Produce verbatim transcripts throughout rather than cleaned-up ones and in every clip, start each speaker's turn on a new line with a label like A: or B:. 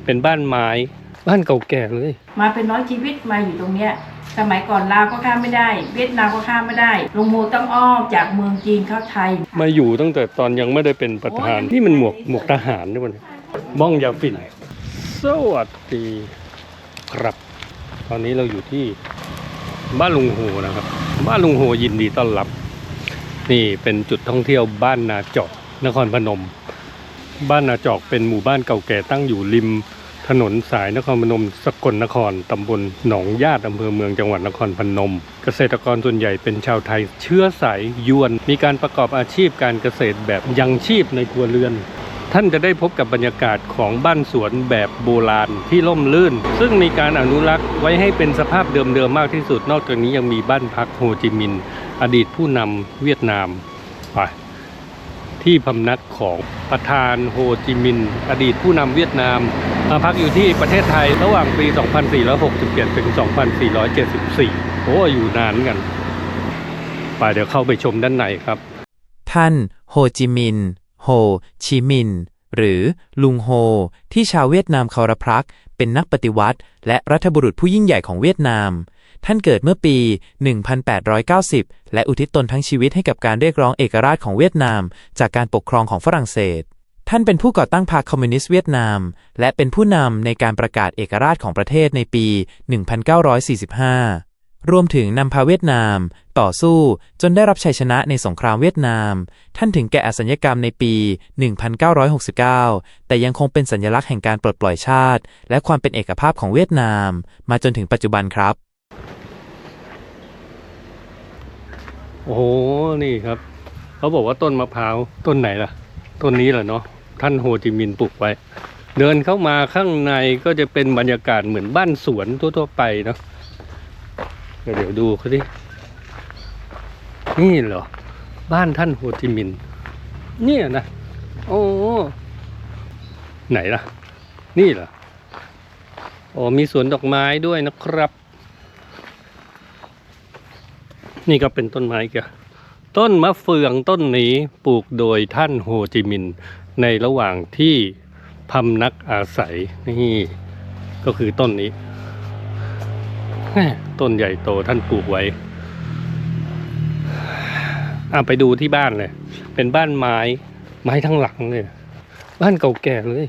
A: เป็นบ้านไม้บ้านเก่าแก่เลย
B: มาเป็นร้อยชีวิตมาอยู่ตรงเนี้ยสมัยก่อนลาวก็ข้ามไม่ได้เวียดนามก็ข้ามไม่ได้ลุงโมต้องอ้อมจากเมืองจีนเข้าไทย
A: มาอยู่ตั้งแต่ตอนยังไม่ได้เป็นประธานนี่มันหมวกหมวกทหารด้วยมันบ้องยาฝิ่นสวัสดีครับตอนนี้เราอยู่ที่บ้านลุงโฮนะครับบ้านลุงโฮยินดีต้อนรับนี่เป็นจุดท่องเที่ยวบ้านนาจอกนครพนมบ้านนาจอกเป็นหมู่บ้านเก่าแก่ตั้งอยู่ริมถนนสายนครพนมสกลนครตำบลหนองญาติอำเภอเมืองจังหวัดนครพนมเกษตรกรส่วนใหญ่เป็นชาวไทยเชื้อสายยวนมีการประกอบอาชีพการเกษตรแบบยังชีพในครัวเรือนท่านจะได้พบกับบรรยากาศของบ้านสวนแบบโบราณที่ร่มรื่นซึ่งมีการอนุรักษ์ไว้ให้เป็นสภาพเดิมๆมากที่สุดนอกจากนี้ยังมีบ้านพักโฮจิมินห์อดีตผู้นำเวียดนามไปที่พำนักของประธานโฮจิมินห์อดีตผู้นำเวียดนามมาพักอยู่ที่ประเทศไทยระหว่างปี สองพันสี่ร้อยหกสิบเจ็ด ถึง สองพันสี่ร้อยเจ็ดสิบสี่ โอ้อยู่นานกันไปเดี๋ยวเข้าไปชมด้านในครับ
C: ท่านโฮจิมินห์โฮชิมินห์หรือลุงโฮที่ชาวเวียดนามเคารพรักเป็นนักปฏิวัติและรัฐบุรุษผู้ยิ่งใหญ่ของเวียดนามท่านเกิดเมื่อปี หนึ่งพันแปดร้อยเก้าสิบ และอุทิศตนทั้งชีวิตให้กับการเรียกร้องเอกราชของเวียดนามจากการปกครองของฝรั่งเศสท่านเป็นผู้ก่อตั้งพรรคคอมมิวนิสต์เวียดนามและเป็นผู้นำในการประกาศเอกราชของประเทศในปี หนึ่งพันเก้าร้อยสี่สิบห้า รวมถึงนำพาเวียดนามต่อสู้จนได้รับชัยชนะในสงครามเวียดนามท่านถึงแก่อสัญญกรรมในปี หนึ่งพันเก้าร้อยหกสิบเก้า แต่ยังคงเป็นสัญลักษณ์แห่งการปลดปล่อยชาติและความเป็นเอกภาพของเวียดนามมาจนถึงปัจจุบันครับ
A: โอ้โหนี่ครับเขาบอกว่าต้นมะพร้าวต้นไหนล่ะต้นนี้แหละเนาะท่านโฮจิมินห์ปลูกไว้เดินเข้ามาข้างในก็จะเป็นบรรยากาศเหมือนบ้านสวนทั่วๆไปเนาะเดี๋ยวดูเขาดินี่เหรอบ้านท่านโฮจิมินห์เนี่ยนะโอ้ไหนล่ะนี่เหรอโอ้มีสวนดอกไม้ด้วยนะครับนี่ก็เป็นต้นไม้แกต้นมะเฟืองต้นนี้ปลูกโดยท่านโฮจิมินห์ในระหว่างที่พำนักอาศัยนี่ก็คือต้นนี้ต้นใหญ่โตท่านปลูกไว้อ่ะไปดูที่บ้านเลยเป็นบ้านไม้ไม้ทั้งหลังเลยบ้านเก่าแก่เลย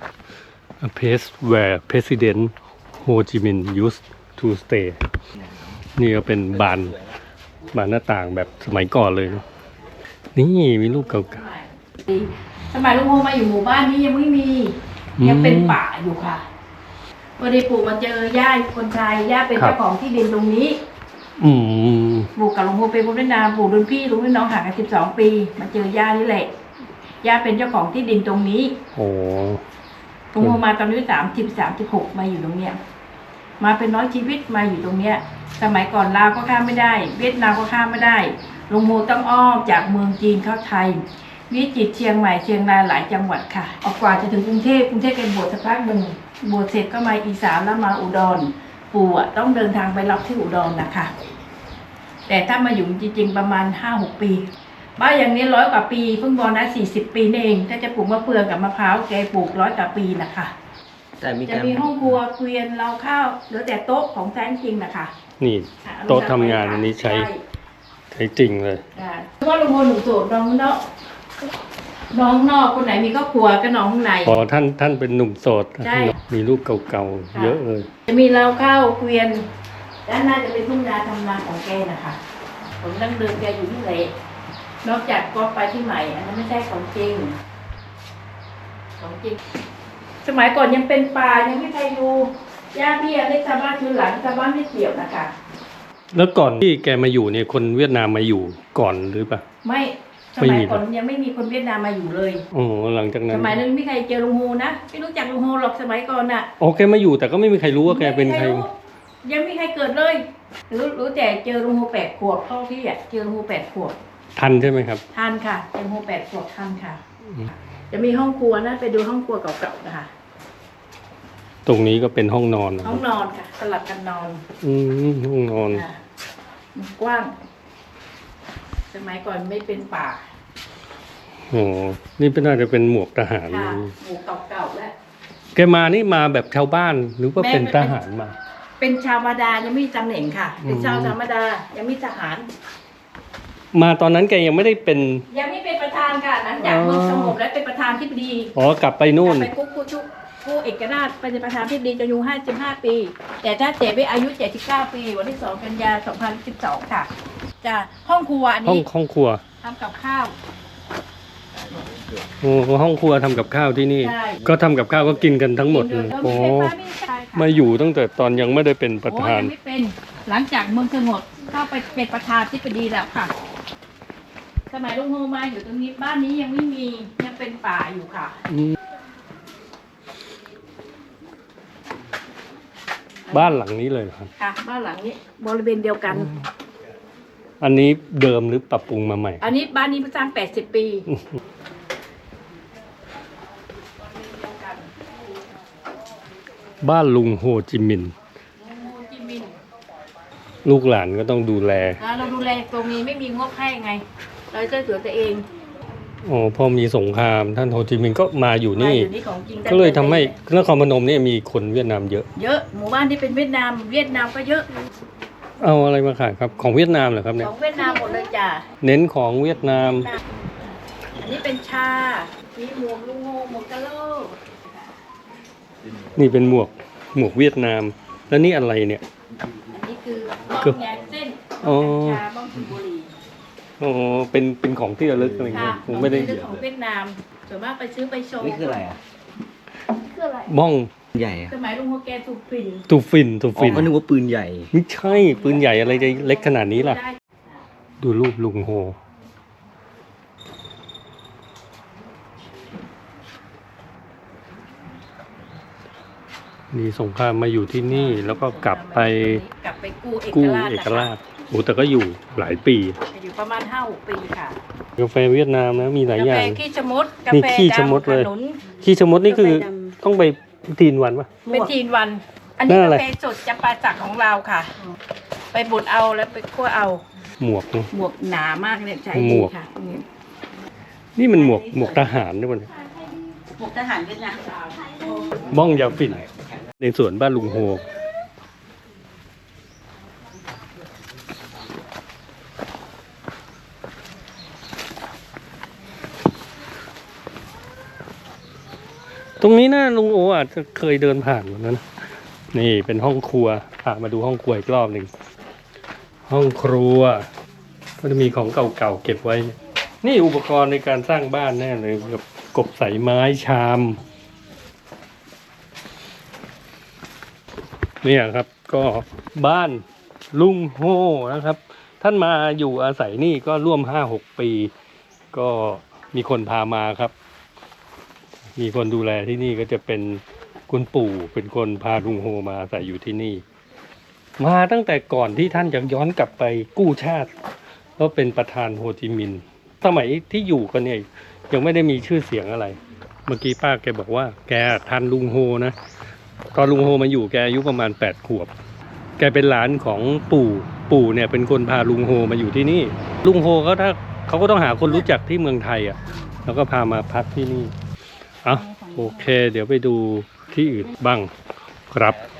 A: A place where President Ho Chi Minh used to stay นี่ก็เป็นบานบานหน้าต่างแบบสมัยก่อนเลยนี่มีรูปเก่า
B: ๆสมัยลุงโฮมาอยู่หมู่บ้านนี้ยังไม่มียังเป็นป่าอยู่ค่ะพอดีปู่มาเจอย่าคนไทยย่าเป็นเจ้าของที่ดินตรงนี้
A: อืม
B: ปู่กับลุงโฮเป็นคนเวียดนามปู่รุ่นพี่รุ่นน้องห่างกันสิบสองปีมาเจอย่านี่แหละย่าเป็นเจ้าของที่ดินตรงนี้
A: โอ้
B: ลุงโฮมาตอนอายุสามสิบสามสิบหกมาอยู่ตรงเนี้ยมาเป็นร้อยชีวิตมาอยู่ตรงเนี้ยสมัยก่อนลาวก็ข้ามไม่ได้เวียดนามก็ข้ามไม่ได้ลุงโฮต้องอ้อมจากเมืองจีนเข้าไทยวิจิตรเชียงใหม่เชียงรายหลายจังหวัดค่ะออกกว่าจะถึงกรุงเทพกรุงเทพเป็นบวชสักพักหนึ่งบวชเสร็จก็มาอีสานแล้วมาอุดรปู่อ่ะต้องเดินทางไปรับที่อุดรนะคะแต่ถ้ามาอยู่จริงๆประมาณ ห้าหก ปีบ้านอย่างนี้ร้อยกว่าปีเพิ่งบอนะสี่สิบปีนี่เองถ้าจะปลูกมะเฟืองกับมะพร้าวแกปลูกร้อยกว่าปีนะคะจะมีห้องครัวเกวียนเราข้าวเหลือแต่โต๊ะของแท้จริงนะคะ
A: นี่โต๊ะทำงานอันนี้ใช้ใช้จริงเลย
B: เพราะว่าลุงโฮหนุ่มโสดน้องเนาะน้องนอกคนไหนมีครอบครัวก็น้องข้างใน
A: อ๋อท่านท่านเป็นหนุ่มโสดมีรูปเก่าๆเยอะเลย
B: จะมีเราข้าวเกวียนด้านหน้าจะเป็นทุ่งนาทำนาของแกนะคะผมดั้งเดิมแกอยู่ที่ไหนนอกจากก็ไปที่ใหม่อันนั้นไม่ใช่ของจริงของจริงสมัยก่อนยังเป็นป่ายังไม่ใครดูย่าพี่อะไรชาวบ้านคือหลังชาวบ้านไม่เกี่ยวนะคะ
A: แล้วก่อนที่แกมาอยู่เนี่ยคนเวียดนามมาอยู่ก่อนหรือเปล่า
B: ไม่สมัยก่อนยังไม่มีคนเวียดนามมาอยู่เลย
A: โอ้หลังจากนั้น
B: สมัยนั้นไม่ใครเจอลุงโฮนะไม่รู้จักลุงโฮหรอกสมัยก่อนน่ะ
A: โอเคมาอยู่แต่ก็ไม่มีใครรู้ว่าแกเป็นใคร
B: ยังไม่มีใครเกิดเลยรู้รู้แต่เจอลุงโฮแปดขวบพ่อพี่อ่ะเจอลุงโฮแปดขวบ
A: ทันใช่ไหมครับ
B: ทันค่ะเจอลุงโฮแปดขวบทันค่ะจะมีห้องครัวนะไปดูห้องครัวเก่าๆนะคะ
A: ตรงนี้ก็เป็นห้องนอน
B: ห้องนอนค่ะสลับกันนอน
A: อืมห้องนอน
B: กว้างสมัยก่อนไม่เป็นป่า
A: โอ้นี่เป็นน่าจะเป็นหมวกทหาร
B: หมวกเก่าๆแล้ว
A: แกมานี่มาแบบชาวบ้านหรือว่าเป็นทหารมา
B: เป็นชาวธรรมดายังไม่มีตำแหน่งค่ะ เป็น
A: อืม
B: ชาวธรรมดายังไม่ทหาร
A: มาตอนนั้นแกยังไม่ได้เป็น
B: ยังไม่เป็นประธานค่ะหลังจากเมืองสงบและเป็นประธานที่ปดี
A: อ๋อกลับไปนู่น
B: ไปกุ๊กกุ๊กกุ๊กผู้เอกราชเป็นประธานที่ปดีจะอายุห้าสิบห้าปี แต่ถ้าเจ๊ไปอายุเจ็ดสิบเก้าปี วันที่สองกันยาสองพันสิบสองค่ะจะห้องครัวอัน
A: ห้อง
B: นี้
A: ห้องครัว
B: ทำกับข้าว
A: โอ้ห้องครัวทำกับข้าวที่นี่
B: ใช่
A: ก็ทำกับข้าวก็กินกันทั้งหมดเลย
B: โอ้
A: โอ้
B: มีไฟฟ้าไม่ใช่ค่ะ
A: มาอยู่ตั้งแต่ตอนยังไม่ได้เป็นประธาน
B: โอ้ยังไม่เป็นหลังจากเมืองสงบเข้าไปเป็นประธานที่ปดีแล้วค่ะ สมัยลุงโฮมาอยู่ตรงนี้บ้านนี้ยังไม่มียังเป็นป่าอยู่ค่ะ
A: อืมบ้านหลังนี้เลยเหรอครับ
B: ค่ะ บ้านหลังนี้บริเวณเดียวกัน
A: อันนี้เดิมหรือปรับปรุงมาใหม่
B: อันนี้บ้านนี้สร้างแปดสิบปี
A: บ้านลุงโฮจิมินห์
B: โฮจิมินห์
A: ลูกหลานก็ต้องดูแล
B: อ่าเราดูแลตรงนี้ไม่มีงบให้ไง เราจะเหลือตัวเอง
A: อ๋อพอมีสงครามท่านโฮจิมินห์ก็มาอยู่
B: มา
A: นี่
B: อยู่นี่ของจริง
A: ก็เลยทำให้นครพนมเนี่ยมีคนเวียดนามเยอะ
B: เยอะหมู่บ้านที่เป็นเวียดนาม เวียดนามก็เยอะ
A: เอาอะไรมาขายครับ ของเวียดนามเหรอครับ
B: ข
A: เนี่ย
B: องเวียดนามหมดเลยจ้ะ
A: เน้นของเวียดนาม
B: อันนี้เป็นชา มีหมวกลุงโฮหมวกกะโหลก
A: นี่เป็นหมวกหมวกเวียดนาม แล้วนี่อะไรเนี่ย
B: อันนี้คือบ้องแยกเส้น
A: อ๋
B: บ้
A: อ
B: องกัญชาบ้องสูบบุหรี่
A: อ๋อเป็นเป็นของที่ระลึกอะไร
B: ค่ะ
A: เงี้ยผมไม่ได้
B: ของที่ของเวียดนามส่วนมากไปซื้อไปโชว์
D: นี่คืออะไรอ่ะ
B: คืออะไร
A: บ้อง
D: ใหญ่อ่ะ
B: สมัยลุงโฮแกถูกฝิ่น
A: ตูฟินตู
D: อ๋อ
A: ฟิน
D: ก็นึกว่าปืนใหญ่
A: ไม่ใช่ปืนใหญ่อะไรจะเล็กขนาดนี้ล่ะ
B: ได้
A: ดูรูปลุงโฮ มีสงครามมาอยู่ที่นี่แล้วก็กลับไป
B: กลับไปกู้เอก
A: กู้
B: ราช
A: เอก
B: นะคะ
A: ราชโอ้แต่ก็อยู่หลายปี
B: อยู่ประมาณห้าหกปีค่ะ
A: กาแฟเวียดนามนะมีหลาย
B: กา
A: อย่า
B: แฟ
A: ง
B: ขี้ชะมดกา
A: นี่
B: แฟ
A: ขี้ชะมด
B: ดำ
A: เลย
B: ขนุน
A: ขี้ชะมดนี่คือต้องไปทีนวันปะ
B: เป็นทีนวัน อันนี้
A: นั่นอะไร
B: กาแฟสดจำปาสักของเราค่ะ ไปบดเอาแล้วไปคั่วเอา
A: หมวกนะ
B: หมวกหนามากเนี่ยใช้
A: หม
B: ดี
A: วก
B: ค่ะนี่
A: นี่มันหมวกหมวกทหารด้วยมันย
B: หมวกทหารเวียดนาม
A: บ้องยาฝิ่นในสวนบ้านลุงโฮตรงนี้นะลุงโออาจจะเคยเดินผ่านวันนั้น นี่เป็นห้องครัวพามาดูห้องครัวอีกรอบหนึ่ง ห้องครัว ก็จะมีของเก่าๆเก็บไว้ นี่อุปกรณ์ในการสร้างบ้านแน่เลยกับกบใส่ไม้ชาม เนี่ยครับก็บ้านลุงโฮนะครับ ท่านมาอยู่อาศัยนี่ก็ร่วมห้าหกปี ก็มีคนพามาครับ มีคนดูแลที่นี่ก็จะเป็นคุณปู่เป็นคนพาลุงโฮมาอาศัยอยู่ที่นี่ มาตั้งแต่ก่อนที่ท่านจะย้อนกลับไปกู้ชาติก็เป็นประธานโฮจิมินห์สมัยที่อยู่กันเนี่ยยังไม่ได้มีชื่อเสียงอะไร เมื่อกี้ป้าแกบอกว่าแกทันลุงโฮนะ ตอนลุงโฮมาอยู่แกอายุประมาณแปดขวบ แกเป็นหลานของปู่ปู่เนี่ยเป็นคนพาลุงโฮมาอยู่ที่นี่ ลุงโฮเขาถ้าเขาก็ต้องหาคนรู้จักที่เมืองไทยอ่ะแล้วก็พามาพักที่นี่เอาโอเค เดี๋ยวไปดูที่อื่นบ้างครับ